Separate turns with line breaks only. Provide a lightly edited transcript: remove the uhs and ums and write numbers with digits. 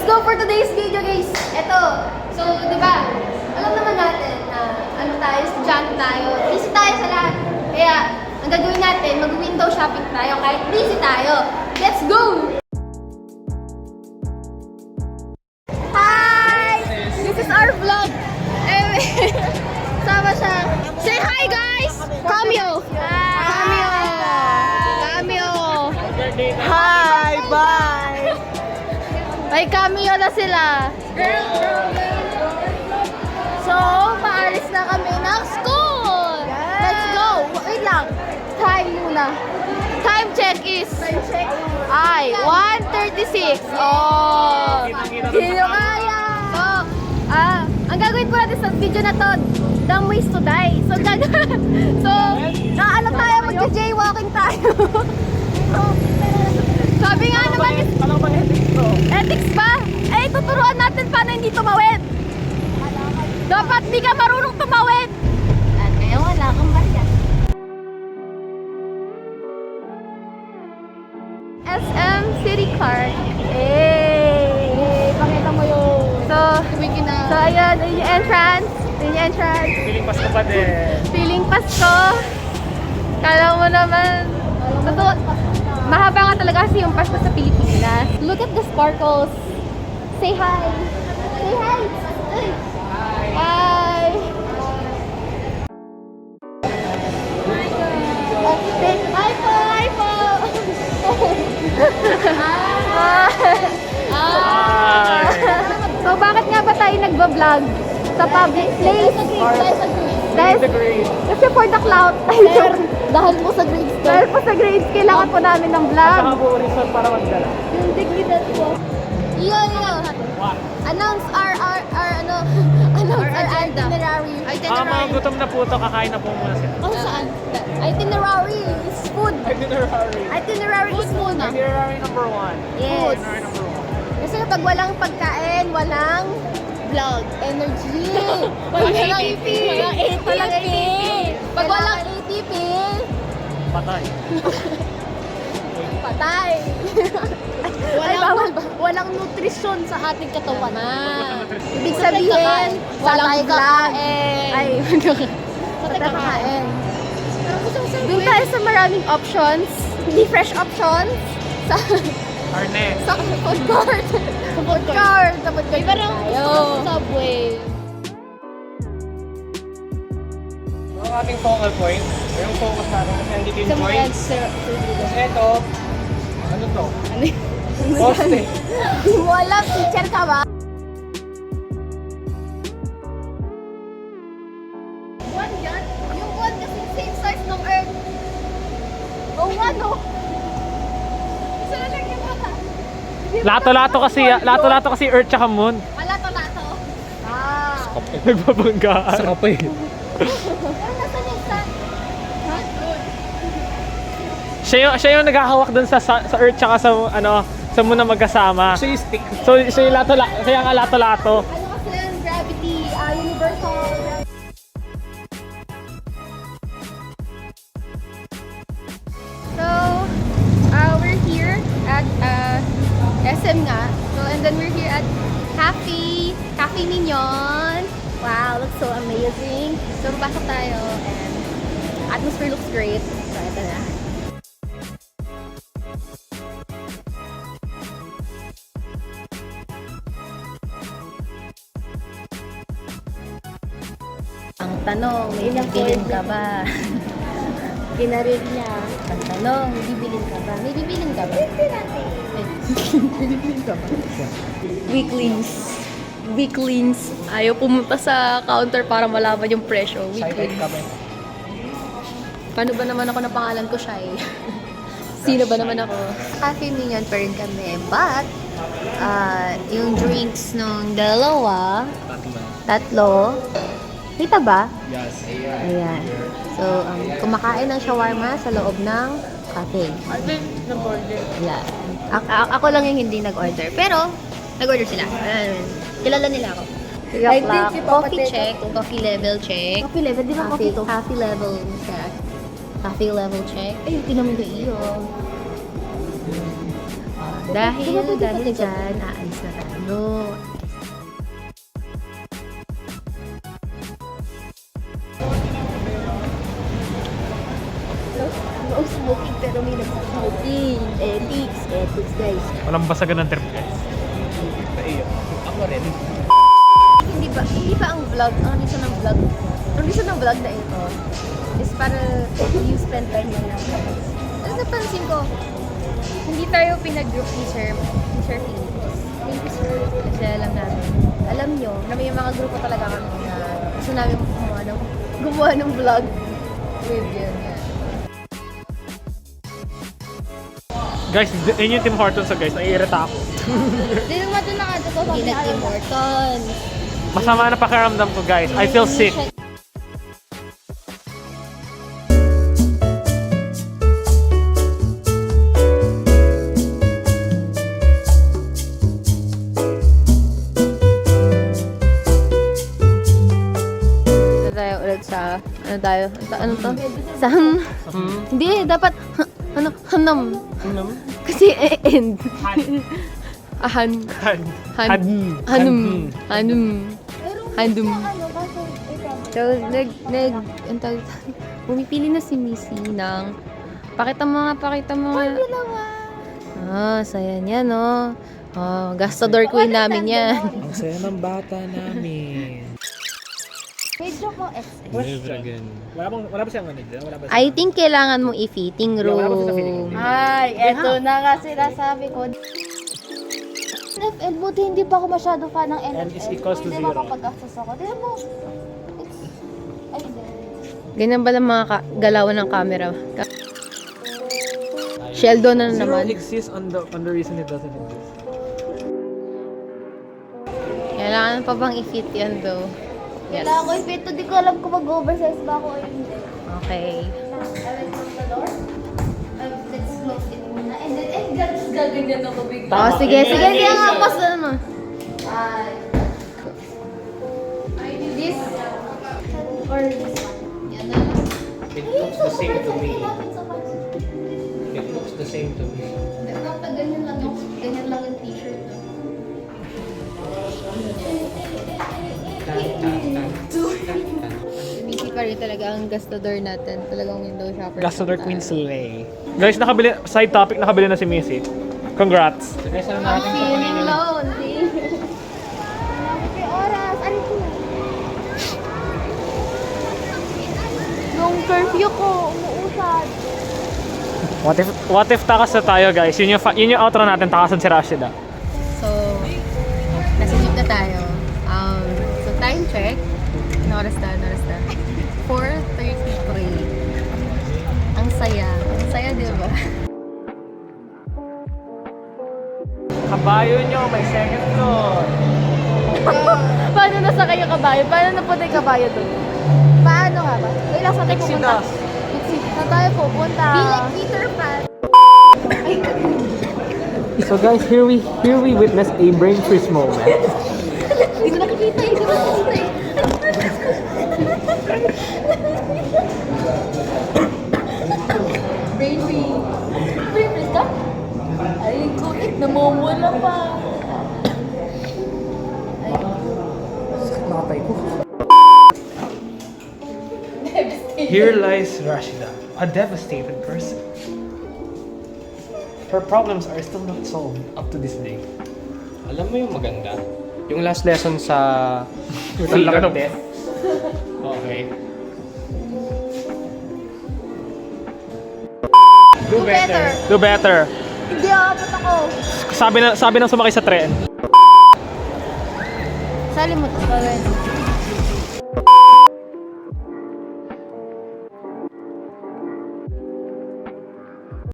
go for today's video, guys. Ito. So, di ba? Alam naman natin na ano tayo, estudyante tayo. Busy tayo sa lahat. Kaya, ang gagawin natin, mag-window shopping tayo kahit busy tayo. Let's go! Hi! This is our vlog. Sama siya. Say hi, guys! Cameo! Cameo! Cameo!
Hi! Bye!
May cameo na sila. So, paalis na kami ng school! Let's go! Wait lang. Time muna. Time check is... Ay, 1:36. Oh! Hindi nyo kaya! So, ang gagawin po natin sa video na to, dumb ways to die. So, ano tayo, mag-jaywalking tayo. Sabi nga naman,
Ano bang ethics to?
ethics ba? Eh, tuturuan natin paano hindi tumawid. Dapat di ka marunong tumawid. At kaya wala kang barya. SM City Park. Pakita mo yun. So, ayan, yun yung entrance. Yun yung entrance.
Feeling Pasko pa din.
Feeling Pasko. Kala mo naman. Totoo, mahaba nga talaga kasi yung Pasko sa Pilipinas. Look at the sparkles. Say hi. Say hi. Hi. Hi po. Hi po.
Hi!
So bakit nga ba tayo nagba-vlog sa public place? Dahil
The grade.
kasi for the clout. Dahil po sa grades. Dahil po sa grades, kailangan po namin ng vlog.
Saka po resort para magdala.
Yung dignidad po. Iyo.
What?
Announce our itinerary.
Mga gutom na po ito, kakain na po muna sila.
Oh, saan? Itinerary is food.
Itinerary.
Itinerary is food.
Itinerary number 1.
Yes.
Itinerary number 1.
Kasi pag walang pagkain, walang vlog, energy.
Walang ATP.
Walang ATP. Pag walang ATP,
Patay.
patay.
Walang nutrisyon sa ating katawan.
Ibig sabihin, walang kakain. Ay, kakain. Doon tayo sa maraming options. Hindi fresh options. Sa
Arnett.
sa food court. Sa food court. Sa food court
Iba rin
tayo.
Subway.
Ang ating focal point, yung focus natin kasi andito yung joints. Tapos ito, ano to? Poste.
Wala, teacher ka ba? One yan? Yung one kasi same size ng Earth. Oh, one oh. Isa na lang yung mata.
Lato-lato kasi Earth tsaka Moon.
Lato-lato. Ah.
Nagbabanggaan. Sa kapay.
Pero nasa yung sun? Ha?
Siya yung naghahawak dun sa Earth tsaka sa Moon na magkasama. Siya yung stick. So siya yung kaya nga lato-lato.
Ano kasi yung gravity? Universal gravity. So, we're here at SM nga. So, and then we're here at Cafe Mignon. Wow, looks so amazing. So, papasok tayo and atmosphere looks great. So, ito na. Ang tanong, may bibilin ka ba?
Ginarin niya.
Ang tanong, may bibilin ka ba? May bibilin ka ba?
Weeklings. Weeklings. Ayaw pumunta sa counter para malaman yung presyo. Weeklings.
Paano ba naman ako na pangalan ko siya eh?
Sino ba naman ako?
Cafe Mignon pa rin kami. But, yung drinks nung dalawa, tatlo, kita ba?
Yes.
Ayan. So, kumakain ng shawarma sa loob ng cafe.
I think nag-order.
Yeah. Ako lang yung hindi nag-order. Pero, nag-order sila. Kilala nila ako.
I think yung
Coffee
papatay
check.
ko to.
Coffee level check.
Coffee level, di ba coffee to?
Coffee level check. Coffee level check. Ay, tinan mo yung iyo. Dahil dyan, aalis na tayo. ano. No smoking pero may nag-smoking. Ethics guys.
Walang basagan ng trip guys. Naiyak. Ako rin.
Hindi ba ang vlog, ang reason ng vlog na ito is para you spend time with your friends. Tapos napansin ko, hindi tayo pinag-group ni Sir Philippines. Thank you, sir. Kasi alam nyo, na may mga grupo talaga kami na gusto namin gumawa ng vlog with yun.
Guys, yun yung Tim Hortons so guys. Naiirita ako.
Hindi naman ito nakatuto sa Tim Hortons.
Masama na pakiramdam ko guys. I feel sick.
Tayo ulit sa ano to? Sa hindi dapat hanam. Kasi end. Hanum. So, pumipili na si Missy ng pakita mo nga. Saya niya, no? Gastador queen namin yan.
Ang saya ng bata namin.
Medyo ko
Wala ba siyang ano dyan? Wala ba
I think kailangan mong i-fitting room.
Wala ba siya sa fitting room?
Ay, eto na nga sinasabi ko. NFL, buti hindi pa ako masyado fan ng NFL.
N is equals to
Hindi
zero.
makapag-access ako. Tignan mo. Ganyan ba ng mga galawan ng camera? Sheldon na
Zero
naman.
exists on the reason it doesn't exist.
Kailangan pa bang i-fit yan though? Yes. Kailangan ko i-fit to. Di ko alam kung mag-oversize ba ako o hindi. Okay. Let's close the door. Let's close it muna. And then, gaganyan ako bigla. Oh, sige. Kaya nga pas na naman. This or this one? Yan na lang.
It looks the same to me. It looks the same to me.
Dapat ganyan lang yung t-shirt. Busy pa rin talaga ang gastador natin. Talagang window shopper.
Gastador Queen Slay. Guys, side topic, nakabili na si Missy. Congrats! Guys, ano
I'm feeling lonely. May oras. Ano ko? Nung curfew ko, umuusad.
What if takas na tayo guys? Yun yung outro natin, takasan si Rashida.
So, nasa jeep na tayo. So, time check. Ano oras na? 4:33. Ang saya. Ang saya, di ba?
Kabayo nyo, may second floor.
Paano nasakay yung kabayo? Paano napunta yung kabayo doon? Paano nga ba? Kailan sa tayo pupunta? Saan tayo pupunta? Be like Peter Pan.
So guys, here we witness a brain freeze moment.
Hindi mo nakikita eh. Brain freeze. Brain freeze ka? Ay, kulit. Namumula pa.
Nakatay ko. Here lies Rashida, a devastated person. Her problems are still not solved up to this day.
Alam mo yung maganda? Yung last lesson sa
Ang laki ng
death. Okay.
Do better.
Hindi aabot ako.
Sabi ng sumakay sa tren.
Sali mo ito.